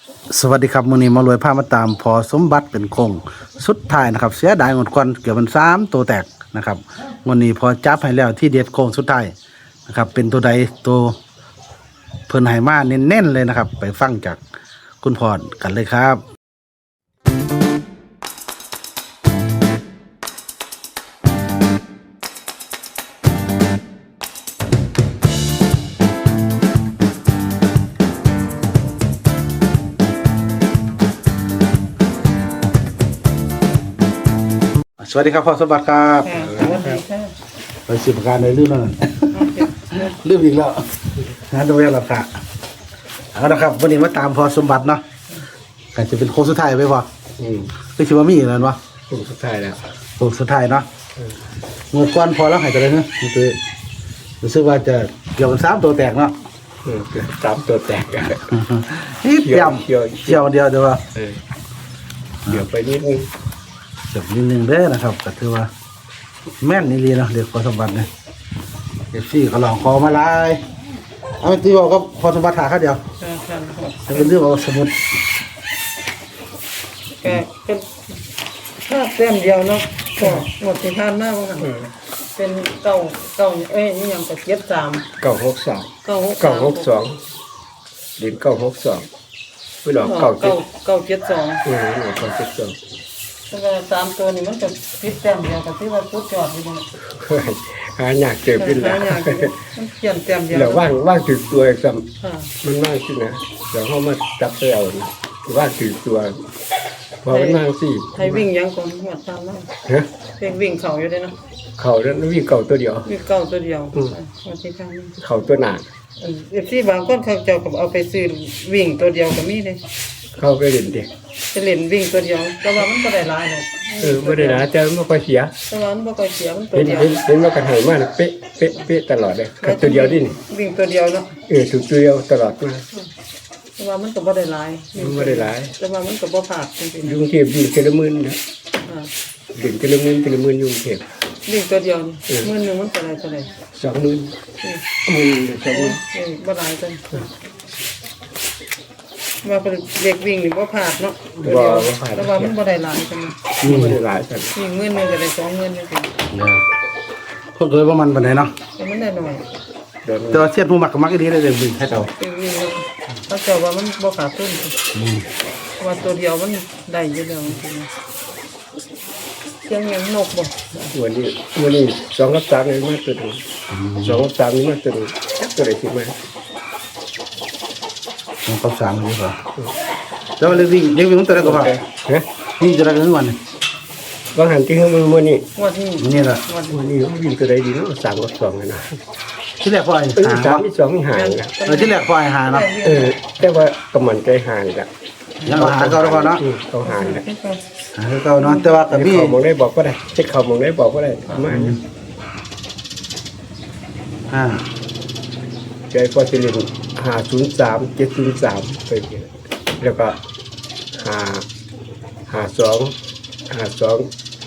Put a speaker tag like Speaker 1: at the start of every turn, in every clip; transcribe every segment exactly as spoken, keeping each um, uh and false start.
Speaker 1: สวัสดีครับมื้อนี้มารวยพามาตามพอสมบัติเป็นคงสุดท้ายนะครับเสียดายหมดก่อนเกือบมันสามตัวแตกนะครับวันนี้พอจับให้แล้วที่เด็ดโคงสุดท้ายนะครับเป็นตัวใดตัวเพิ่นให้มาเน้นๆเลยนะครับ ไปฟังจากคุณพรกันเลยครับสวัสดีครับพ่อสมบัติครับ
Speaker 2: ค่ะสวัสดีค่ะ
Speaker 1: ไปสิบประการในลืมแล้วนั่น ลืมอีกแล้วนะดูแลราคาเอาละครับวันนี้มาตามพอสมบัติเนาะอาจจะเป็นโค้งสุดท้ายไปพอ
Speaker 3: อืม
Speaker 1: คือชิวามีอะไรวะ
Speaker 3: กลุ่มสุดท้ายแล้ว
Speaker 1: โค้งสุดท้ายเนาะเมื่อก่อนพอแล้วหายไปเลยเนาะคือรู้สึกว่าจะเกี่ยวกับสามตัวแตกเนาะ
Speaker 3: อืมสามตัวแตกอะ
Speaker 1: นิดเดียว
Speaker 3: เกี่ยว
Speaker 1: เกี่ยวเดียวเดียวว่า
Speaker 3: เออเดี๋ยวไปนิดนึง
Speaker 1: เจ็บนิดนึงเด้อนะครับก็ถือว่า แม่นนี่ลีเนาะเด็กพอสมบัติเนี่ยเด็กฟี่เขาลองคอมาลายเอาที่บอกก็พอสมบัติหาแค่เดียว
Speaker 2: ค่ะค่ะค่ะ
Speaker 1: จะเป็นเรื่องเอาสมุด
Speaker 2: ก็เป็นภาพเต็มเดียวเนาะก็หมดที่ผ่านมาว่ากันเป็นเก้าเก้าเอ้ยนี่ยังกับเจ็ดสาม
Speaker 3: เก้าหกสอง
Speaker 2: เก้าหก
Speaker 3: เก้าหกสองเดินเก้าหกสองไม่หลอกเก้าเจ็
Speaker 2: เก้า
Speaker 3: ด
Speaker 2: เก้าเจ็ดสอง
Speaker 3: เออหลอกเก้าเจ็ดสอง
Speaker 2: แต่ว่าสามตัวนี่มันจะพิษเต็มเดียวกับที่ว่าพุทธจอดอยู่เนี่ย
Speaker 3: เฮ้ยหาหนักเจ็บขึ้นแล้ว
Speaker 2: หายากอยู่มันเขียนเต็มเดียว
Speaker 3: แล้วว่างว่างถือตัวซ้
Speaker 2: ค่ะ
Speaker 3: ำมันว่างขึ้นนะเดี๋ยวเขามาจับไปเอานะว่างถือตัวพอมันว่างสิ
Speaker 2: ให้วิ่งยังก่อนหมดตามนั้น
Speaker 3: ฮะ
Speaker 2: เพลงวิ่งเขาอยู่เลยเนาะ
Speaker 3: เข่าแล้ววิ่งเก่าตัวเดียว
Speaker 2: วิ่งเก้าตัวเดียวหมดที่ผ่านมา
Speaker 3: เข่าตัวหนา
Speaker 2: เอฟซีบางคนเขาเจ้าก็เอาไปซื้อวิ่งตัวเดียวก็มีเลย
Speaker 3: เข้าไปเล่นเด็ก
Speaker 2: จะเล่นวิ่งตัวเดียวแต่ว่ามันบ่ได้หลายหรอก
Speaker 3: เออไม่ได้นะแต่ไม่ค่อยเสีย
Speaker 2: แต่ว่ามันบ่ค่อยเสียมันตัว
Speaker 3: เห็น
Speaker 2: เดียว
Speaker 3: เห็นเห็นว่ากันหายมากนะเป๊ะเป๊ะเป๊ะตลอดเลยกับตัวเดียวดินี่
Speaker 2: วิ่งตัวเดียวเนาะ
Speaker 3: เออถูกตัวเดียวตลอดมา
Speaker 2: แต่ว่ามันก็บ่ได้หลาย
Speaker 3: มันไม่ได้หลาย
Speaker 2: แต่ว่ามันก็บ่พลาดจริงๆ
Speaker 3: ยุงเทพวิ่งเทละหมื่นนะ
Speaker 2: อ่า
Speaker 3: ดิ่งเทละหมื่นเทละหมื่นยุงเทพ
Speaker 2: วิ่งตัวเดียวนี่มื้อหนึงมันก็ได้เท่าไหร่
Speaker 3: สองหมื่น
Speaker 2: เออ
Speaker 3: หมื่นสองหมื่น
Speaker 2: เออบ่หลายจังว่าเป็นเด็กวิ่งนี่บ่พลาดเนาะตัวเดียวแต่ว่ามันบ่ได้หลายจัง
Speaker 3: ไม่ได้หลายสัน
Speaker 2: วิ่งมื้อหนึงก็ได้สองหมื่นจังซี่
Speaker 1: เนี่ยพวกเคยว่ามันปานไหนเนาะ
Speaker 2: แต่มันได้น้อย
Speaker 3: เดี๋ยว
Speaker 1: แต่ว่าเสียดผู้มักก็มักอีดีได้เลยบินให้เรา
Speaker 2: ไปวิ่งเนาะเขาเจ้าว่ามันบ่ขาดทุนเพราะว่าตัวเดียวมันได้อยู่แล้วจริงๆเสียงหยังนกบ่
Speaker 3: วันนี้วันนี้สองกับสามนี่มาตัวหนึงสองกับสามนี่มาตัวหนึงจักตัวไหนที่มา
Speaker 1: มันเขาสามเลยป่ะแล้วเล็กวิ่งเล็กวิ่งมันตัวไหนก็พอ
Speaker 3: ฮะ
Speaker 1: วิ่งตัวไหนก็ทั้งวัน
Speaker 3: บางหันที่เขามือวันนี้
Speaker 2: งวดนี้
Speaker 1: นี่แหละ
Speaker 2: งวด
Speaker 3: วันนี้เขาวิ่งตัวไหนดีเนาะสามกับสองเลยนะ
Speaker 1: ที่แรกพ่อไอ้
Speaker 3: เออ
Speaker 1: หา
Speaker 3: สามที่สองนี่หายนะ
Speaker 1: เออที่แรกพ่อไอ้หาเนาะ
Speaker 3: เออแต่ว่ากำมันใจหายละ
Speaker 1: ยังเอาหาเขาแล้วพอเนาะ
Speaker 3: อืมเขาหายละ
Speaker 1: หาเขาเนาะแต่ว่ากับพี่
Speaker 3: เขามองได้บอกก็ได้เช็คเขามองได้บอกก็ได้มาเนี่ย
Speaker 1: อ่า
Speaker 3: ใจฟอสซิลินหาศูนย์สามเจ็ดศูนย์สามไปเกี่ยแล้วก็หาหาสองหาสอง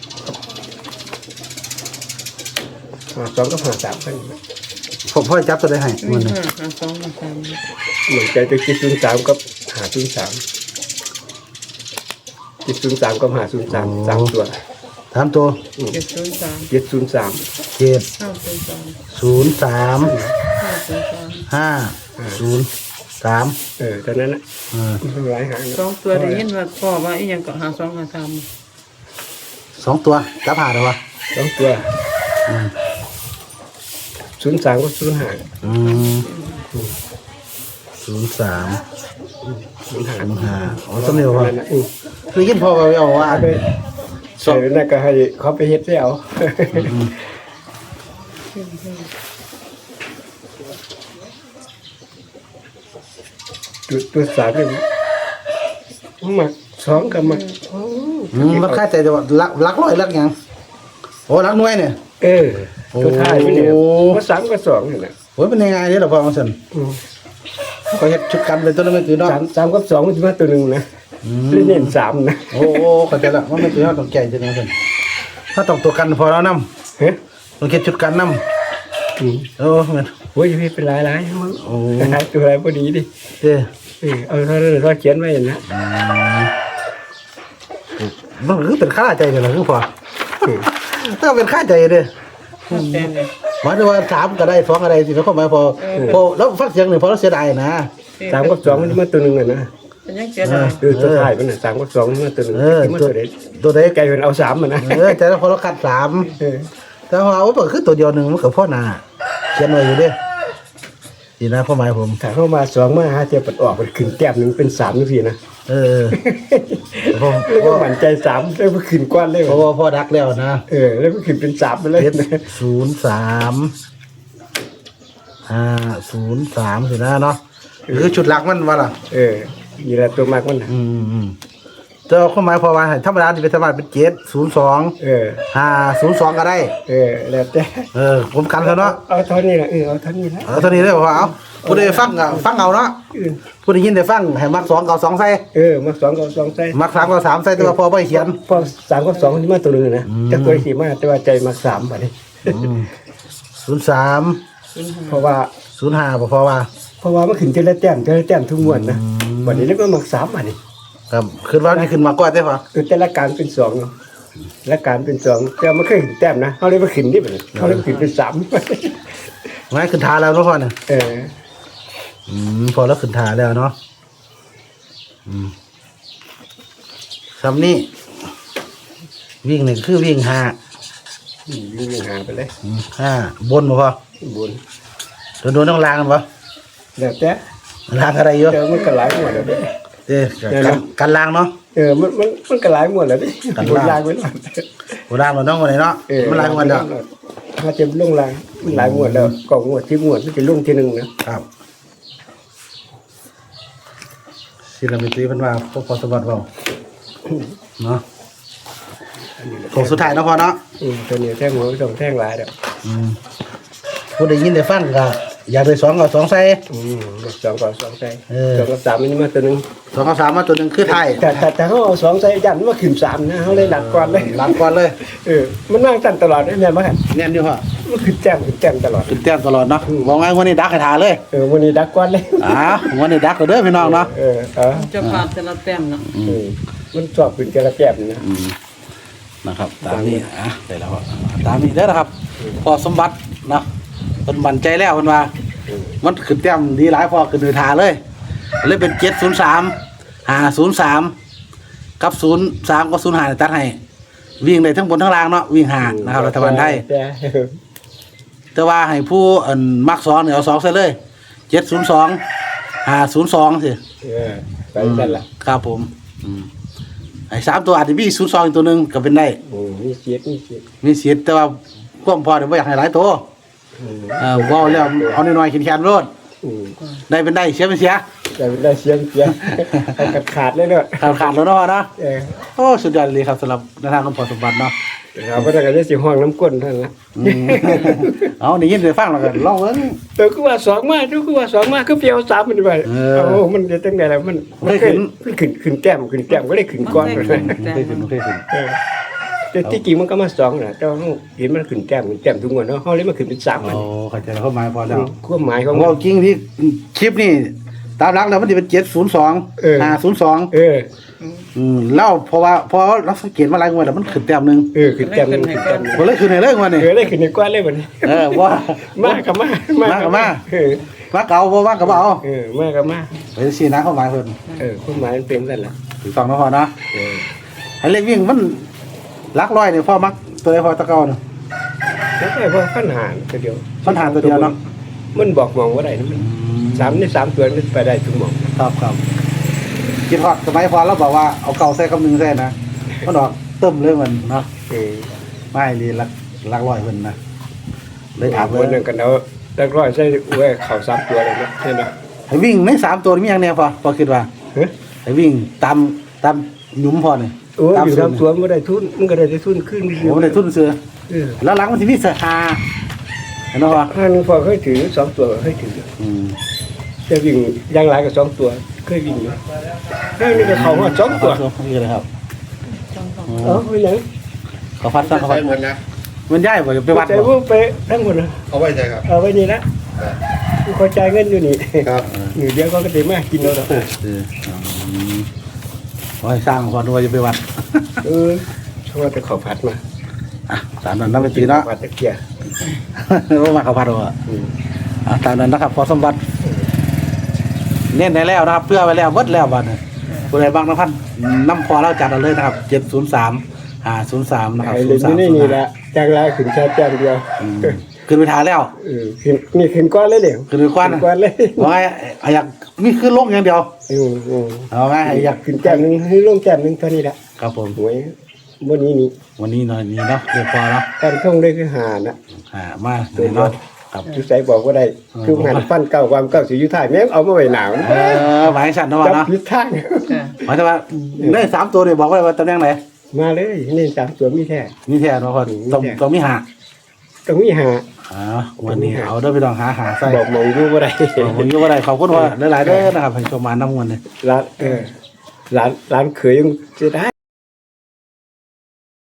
Speaker 3: หาสองก็หาสามกัน
Speaker 1: ผมพ่อจับตัวได้ให้
Speaker 2: มี
Speaker 1: มัน
Speaker 2: ห้าห้าสองห้าสาม
Speaker 3: เหมือนใจจะเจ็ดศูนย์สามก็หาศูนย์สามเจ็ดศูนย์สามก็หาศูนย์สามสามตัว
Speaker 1: ถามตัว
Speaker 2: เจ็ดศูนย์สาม
Speaker 3: เจ็ดศูนย์สาม
Speaker 1: เจ็ด
Speaker 2: ห้าศูนย์สาม
Speaker 1: ศูนย์สาม
Speaker 2: ห้าศูนย์สาม
Speaker 1: ห้าศูนย์สาม
Speaker 3: เออตอนนั้นนะ
Speaker 1: เออ
Speaker 3: มันหลายหาง
Speaker 2: สองตัวได้ยินว่าพ่อว่าอีหยังก็หาสองหาสาม
Speaker 1: สองตัวจับหาได้ปะ
Speaker 3: สองตัวศูนย์สามก็ศูนย์หาง
Speaker 1: อืมศูนย์สาม
Speaker 3: ศูนย์หาง
Speaker 1: ศูนย์ห้าอ๋อสำเนียงพ่อ
Speaker 3: อืม
Speaker 1: คือยินพ่อว่าเอาว่า
Speaker 3: ไปใส่นั่นก็ให้เขาไปเฮ็ดให้เอาตัวตัวสามเนี่ยมักสองกับมัก
Speaker 1: อืมมันค่าใจแต่ว่าลักลักร้อยลักหยังโอ้ลักหน่วยเนี่ย
Speaker 3: เออตัวท้ายมันเนี่ยก็สามก็สองนี่แหละ
Speaker 1: โอ้ยเป็นยังไงเนี่ยเหรอพ่อของฉัน
Speaker 3: อืม
Speaker 1: เขาเฮ็ดชุดกันเป็นตัวนั้นไม่คือเนาะ
Speaker 3: สามสามกับสองมันจะมาตัวหนึ่งนะเล่นเน้นสามนะ
Speaker 1: โอ้โหเข้าใจละว่าไม่คือเราต้องแก่จังไงฉันถ้าต้องตัวกันพอแล้วนำ
Speaker 3: เฮ้ย
Speaker 1: ต้องเฮ็ดชุดกันนำ
Speaker 3: อืม
Speaker 1: โอ้แม่น
Speaker 3: โอ้ยพี่เป็นหลายหลายมั้ง
Speaker 1: โอ้
Speaker 3: ตัวอะไรพอดีดิ
Speaker 1: เด้
Speaker 3: เออเอาเท่านั้นเราเขียนไว้อย่างนะ
Speaker 1: มันคือเป็นค่าใจเลยนะคือพอถ้าเป็นค่าใจเด้อ
Speaker 2: แต่เนี่ย
Speaker 1: หมายถึงว่าสามก็ได้สองก็ได้สิเขาเข้ามาพอพอแล้วฟังเสียงหนึ่งพอเราเสียดายนะ
Speaker 3: สามกับสองมันมาตัวหนึ่งอ่ะนะ
Speaker 2: เป็นยังเสียดาย
Speaker 3: คือตัวท้ายมันน่ะสามกับสองมันมาตัวหนึ่ง
Speaker 1: เออ
Speaker 3: ที่มัน
Speaker 1: ตัว
Speaker 3: ตัวเด็ก
Speaker 1: ตัวใด
Speaker 3: ไกลเป็นเอาสามมันนะ
Speaker 1: เออแต่พอเราคัดสาม
Speaker 3: เออ
Speaker 1: แต่ว่าโอ้ก็คือตัวเดียวหนึ่งมันกับพ่อนาเขียนไว้อยู่เด้ดีนะข้อหมายผม
Speaker 3: ถ้าเข้ามาสองมาหาเทียบปัดออกมันขึ้นแต้มหนึ่งเป็นสามนี่พี่นะ
Speaker 1: เออผม
Speaker 3: แล้วก็หมั่นใจสามแล้วมันขึ้นกว้านเลย
Speaker 1: เพราะว่าพ่อดักแล้วนะ
Speaker 3: เออแล้วมันขึ้นเป็นสามไปเลย
Speaker 1: เจ็ด
Speaker 3: นะ
Speaker 1: ศูนย์สามห้าศูนย์สามสินะเนาะหรือชุดหลักมันวะล่ะ
Speaker 3: เออนี่แหละตัวมากมันนะ
Speaker 1: อืมอืมแต่ข้อหมายพอว่าให้ธรรมดาที่เป็นธรรมดาเป็นเจ็ดศูนย์สอง
Speaker 3: เออ
Speaker 1: ห้าศูนย์สองก็ได้
Speaker 3: เออแล้วแต่
Speaker 1: เออผมกันแล้วเนาะ
Speaker 3: เอาเท่านี้ละเออเอาเท่านี้ละ
Speaker 1: เอาเท่านี้ได้ป่าวเอาผู้ใดฟังก็ฟังเอาเนาะ
Speaker 3: เออ
Speaker 1: ผู้ใดยินได้ฟังให้มักสองเก่าสองใส่
Speaker 3: เออมาสองกับสองใส่
Speaker 1: มักสามเก่าสามใส่แต่ว่าพอไปเขียน
Speaker 3: พอสามกับสองที่มาตัวหนึ่งนะจะตัวสี่มาแต่ว่าใจมาสามบาทนี่
Speaker 1: ศูนย์สาม
Speaker 3: เพราะว่า
Speaker 1: ศูนย์ห้าบ่พอว่า
Speaker 3: เพราะว่ามันขึ้นเจละแต้มเจละแต้มทุกงวดนะวันนี้แล้วก็มาสามบาทนี่
Speaker 1: ครับขึ้นว่านี่ขึ้นมากกว่าได้ป่ะ
Speaker 3: คือแต่ละการเป็นสองเนาะและการเป็นสองแต่มันเคยขึ้นแต้มนะเขาเลยมาขึ้นนี่แบบนี้เขาเลยมาขึ้นเป็นสาม
Speaker 1: ไม่ขึ้นทาแล้วเนาะพ่อเนี่ย
Speaker 3: เออ
Speaker 1: อืมพอแล้วขึ้นทาแล้วเนาะอืมคำนี้วิ่งหนึ่งคือวิ่งห้า
Speaker 3: วิ่งวิ่งหาไปเลย
Speaker 1: อืมห้าบนบ่พอ
Speaker 3: บุญ
Speaker 1: โดนโดนต้องลางกันปะ
Speaker 3: แล้วแต่
Speaker 1: ลางอะไรเยอะ
Speaker 3: เออมันก็หลายหมดแล้วเด้
Speaker 1: เอ๊ะกันกันลางเนาะ
Speaker 3: เออมันมันมันก็หลายหมดแล้วเด้
Speaker 1: กัน
Speaker 3: บุญ
Speaker 1: ลา
Speaker 3: ลาง งไปแล้ว
Speaker 1: โบราณมันต้องวันไหนเนาะ
Speaker 3: เออ
Speaker 1: มันลางวันเดียว
Speaker 3: ถ้าจะลงลางมันหลายหมดแล้วกองหมดที่หมดมันจะลงทีหนึ่งนะครับ
Speaker 1: ศิลปินตีเพิ่นว่าพวกพอสมบัติเปล่าเนาะของสุดท้ายเนาะพอเนาะ
Speaker 3: อืมตัวนี้แท่งหัวไม่ต้องแท่งหลายแล้ว
Speaker 1: อืมผู้ได้ยินได้ฟังก็อยากได้สองก็สองใส่
Speaker 3: อืมสองกับสองใส่
Speaker 1: เออ
Speaker 3: สองกับสามมันมาตัวหนึ่ง
Speaker 1: สองกับสามมาตัวหนึ่งคือไทย
Speaker 3: แต่แต่แต่เขาเอาสองใส่ยันมาขึ้นสามนะเขาเลยหลักก่อนเลย
Speaker 1: หลังก่อนเลย
Speaker 3: เออมันนั่งตันตลอดได้เนี่ยมั้ง
Speaker 1: แน่นอยู่พ่อ
Speaker 3: มันขึ้นแจ่มขึ้นแจ่มตลอด
Speaker 1: ขึ้นแต้มตลอดเนาะมองไงวันนี้ดักให้ทาเลย
Speaker 3: เออวันนี้ดักก่อนเลย
Speaker 1: อ่าวันนี้ดักก็เด้อพี่น้องเนาะ
Speaker 3: เออเออ
Speaker 2: จะผ่านแต่ละแต้มเนาะ
Speaker 3: เออมันชอบขึ้นกระแจ่มนะ
Speaker 1: อืมนะครับตามนี้อ่ะได้แล้วครับตามนี้เด้อนะครับ พอสมบัติเนาะเพิ่นมั่นใจแล้วเพิ่นว่า มันขึ้นแต้มดีหลายพอขึ้นโดยทาเลยเลยเป็นเจ็ดศูนย์สามห้าศูนย์สามกับศูนย์สามกับศูนย์ห้าตัดให้วิ่งได้ทั้งบนทั้งล่างเนาะวิ่งห่างนะครับรัฐบาลไทย
Speaker 3: แต่
Speaker 1: แต่ว่าให้ผู้อันมักสองเนี่ยเอาสองใส่เลยเจ็ดศูนย์สองห้าศูนย์สองสิ
Speaker 3: เออไปนั่นแหละ
Speaker 1: ครับผมอืมไอ้สามตัวอาจจะมีศูนย์สองอีกตัวหนึ่งก็เป็นได้
Speaker 3: โอ้มีเสียดมีเสียด
Speaker 1: มีเสียแต่ว่าความพอเดี๋ยวไม่อยากให้หลายตัว
Speaker 3: อืม
Speaker 1: เออว่าแล้วเอาน้อยๆขีดแขนรถ
Speaker 3: อืม
Speaker 1: ได้เป็นได้เสียเป็นเสีย
Speaker 3: แต่ได้เสียงเสียงเอาขาดขาดเลยเนอะ
Speaker 1: ขาดขาดแล้วเนาะนะ
Speaker 3: เออ
Speaker 1: โอ้สุดยอดเลยครับสำหรับในทางของพอสมบัติเนาะ
Speaker 3: เราก็จะได้สิห้องน้ำก้นเท่านั้นละ
Speaker 1: อืมเอาได้ยินได้ฟังแล้วกันลองเอิ้น
Speaker 3: เออคือว่าสองมาดูคือว่าสองมาคือเปรียวสามมันไป
Speaker 1: เออ
Speaker 3: โอ้มันจะตั้งแต่แล้วมัน
Speaker 1: ไม่ขึ้น
Speaker 3: มันขึ้นขึ้นแต้มขึ้นแต้มก็ได้ขึ้นก้อน
Speaker 2: มั
Speaker 3: เลย
Speaker 2: ได้
Speaker 1: ไม่
Speaker 2: ขึ้
Speaker 1: เคย
Speaker 2: น
Speaker 1: ขึ้นไม่เคยขึ้น
Speaker 3: เออแต่ที่จริงมันก็มาสองนะแต่ว่าเราเห็นมันขึ้นแต้มขึ้นแต้มทุกวันเนาะเขาเลยมาขึ้นเป็นสามมัน
Speaker 1: โอ้เข้าใจแล้วเข้ามาพอแล้ว
Speaker 3: ความหมายของ
Speaker 1: ว่าจริงที่คลิปนี่ตามหลักแล้วมันจะเป็นเจ็ดศูนย์สอง
Speaker 3: เออ
Speaker 1: ห้าศูนย์สอง
Speaker 3: เออ
Speaker 1: อืมแล้วเพราะว่าพอเราสังเกตมาหลายงวดแล้วมันขึ้นแต้มหนึง
Speaker 3: เออขึ้นแต้มขึ้นแต้ม
Speaker 1: บ่เลยขึ้นให้เลยงวดนี้
Speaker 3: เออได้ขึ้นในก้อนเลยวันนี้
Speaker 1: เออว่า
Speaker 3: มากกับมาก
Speaker 1: มากกับมาก
Speaker 3: เออ
Speaker 1: ว่าเก่าบ่ว่าก็บ่เอา
Speaker 3: เออมากกับมาก
Speaker 1: ไปสินะเข้ามาเพิ่น
Speaker 3: เออความหมายมันเป็นนั่นแหละ
Speaker 1: ถูกต้องเนาะพอเนาะ
Speaker 3: เออ
Speaker 1: ให้เลขวิ่งมันหลักร้อยนี่พอมักตัวใดพอตะเก่าเนาะ
Speaker 3: แล้วก็พอขั้นหารตัวเดียว
Speaker 1: ปัญหาตัวเดียวเนาะ
Speaker 3: มันบอกมองว่าได้นะมันสามในสามตัวมันไปได้ทุกหมอง
Speaker 1: ครับครับคิดฮอดสมัยพอเราบอกว่าเอาเก่าใส่กับหนึ่งใส่นะมันออกเติมเลยมันเนาะ
Speaker 3: เออ
Speaker 1: ไม่ลีหลักหลักร้อยเพิ่นนะเลยถาม
Speaker 3: ค
Speaker 1: เพิ่
Speaker 3: น
Speaker 1: น
Speaker 3: หนึ่งกันเอาตะกร้อยใส่ไว้เข่าสามตัวเลยนะใช่ไหม
Speaker 1: ให้วิ่งในสามตัวนี่มีอย่างแน่พอพอคิดว่า
Speaker 3: เฮ้ย
Speaker 1: ให้วิ่งตามตามหยุมพอนี่
Speaker 3: โอ้ย
Speaker 1: ตาม
Speaker 3: อยู่
Speaker 1: สู
Speaker 3: สาม
Speaker 1: ตร
Speaker 3: ตัวมันก็ได้ทุนมันก็ได้ทุนขึ้น
Speaker 1: โอ้ได้ทุนเสือ
Speaker 3: เออ
Speaker 1: แล้วหลังมันสิมีเสือหาเห็นบ่วะ
Speaker 3: ห้าหนึ่งพอเคยถือสองตัวเคยถือ
Speaker 1: อืม
Speaker 3: จะวิ่งยางหลายกับสองตัวเคยวิ่งอยู่ห้านี่ก็เขาว่าสองตัว
Speaker 1: นี่เลยครับ
Speaker 3: เออไปไหน
Speaker 1: เขาพัดซะเขาพัด
Speaker 4: หมดนะ
Speaker 1: มันย้ายบ่ไปวัด
Speaker 3: ใจ
Speaker 1: บ่
Speaker 3: พวกไปทั้งหมดนะ
Speaker 4: เอาไว้ใจครับ
Speaker 3: เอาไว้นี่ละคอยจ่ายเงินอยู่นี่ครับมือเดียวก็ก็ได้มากินแล้วเนาะ
Speaker 1: เอออืมขอให้สร้างพอด้วยจะไปวัด
Speaker 3: เออชอบแต่ข้าวผัดมา
Speaker 1: อ่ะตามนั้นนะไปตีเนาะ
Speaker 3: ผัดตะเกียบ
Speaker 1: ว่ามาเขาพัดว่า
Speaker 3: อืม
Speaker 1: อ่ะตามนั้นนะครับพอสมบัติเน้นได้แล้วนะครับ เพื่อไว้แล้วหมดแล้วบัดนี้ผู้ใดบางนะพันน้ำพอเราจัดเอาเลยนะครับเจ็ดศูนย์สามห้าศูนย์สามนะครับ
Speaker 3: ไอ้
Speaker 1: ศู
Speaker 3: เล่
Speaker 1: น
Speaker 3: น
Speaker 1: ย์สาม
Speaker 3: อยู่ในนี่แหละจ้างลายขึ้นแค่แจ้งเดียว
Speaker 1: ขึ้นไปทานแล้ว
Speaker 3: เออขึ้นนี่ขึ้นก้อนเลยเดี๋ยว
Speaker 1: ขึ้นไปควัน
Speaker 3: ขึ้นก้อนเลย
Speaker 1: ว่าไงอยากมีขึ้นลงอย่างเดียว
Speaker 3: อืมอืม
Speaker 1: เอาไงอยาก
Speaker 3: ขึ้นแก้มหนึงให้ลงแก้มหนึงเท่านี้แหละ
Speaker 1: ครับผม
Speaker 3: หวยบนนี้นี่
Speaker 1: วันนี้หน่อยนี้เนาะเรียบพอเนาะ
Speaker 3: การท่องได้คือหานะ
Speaker 1: อ่ามาเดี๋ยวเนาะครับ
Speaker 3: ทุกสายบอกว่าได้คือหันฟันเก่าความเก่าสิอยู่ท้ายแม่งเอามาไว้หนาว
Speaker 1: เออหมายฉันเนาะ
Speaker 3: จับ
Speaker 1: เนาะ
Speaker 3: ผิดทาง
Speaker 2: ค่ะ
Speaker 1: หมายถึงว่าได้สามตัวเนี่ยบอกไว้ว่าตำแหน่งไหน
Speaker 3: มาเลยนี่สามตัวมีแท้
Speaker 1: นี่แท้เนาะคนต้องต้องมีหา
Speaker 3: ต้องมีหา
Speaker 1: อ๋อวันนี้เอาเด้อพี่น้องหาหาใส่
Speaker 3: บอกหมองอยู่บ่ได้
Speaker 1: ผมอยู่ว่าได้ขอบคุณว่าหลายๆเด้อนะครับให้ชมมาน้ำมันเนี่ย
Speaker 3: ร้านเออร้านร้านเขยยังจะได้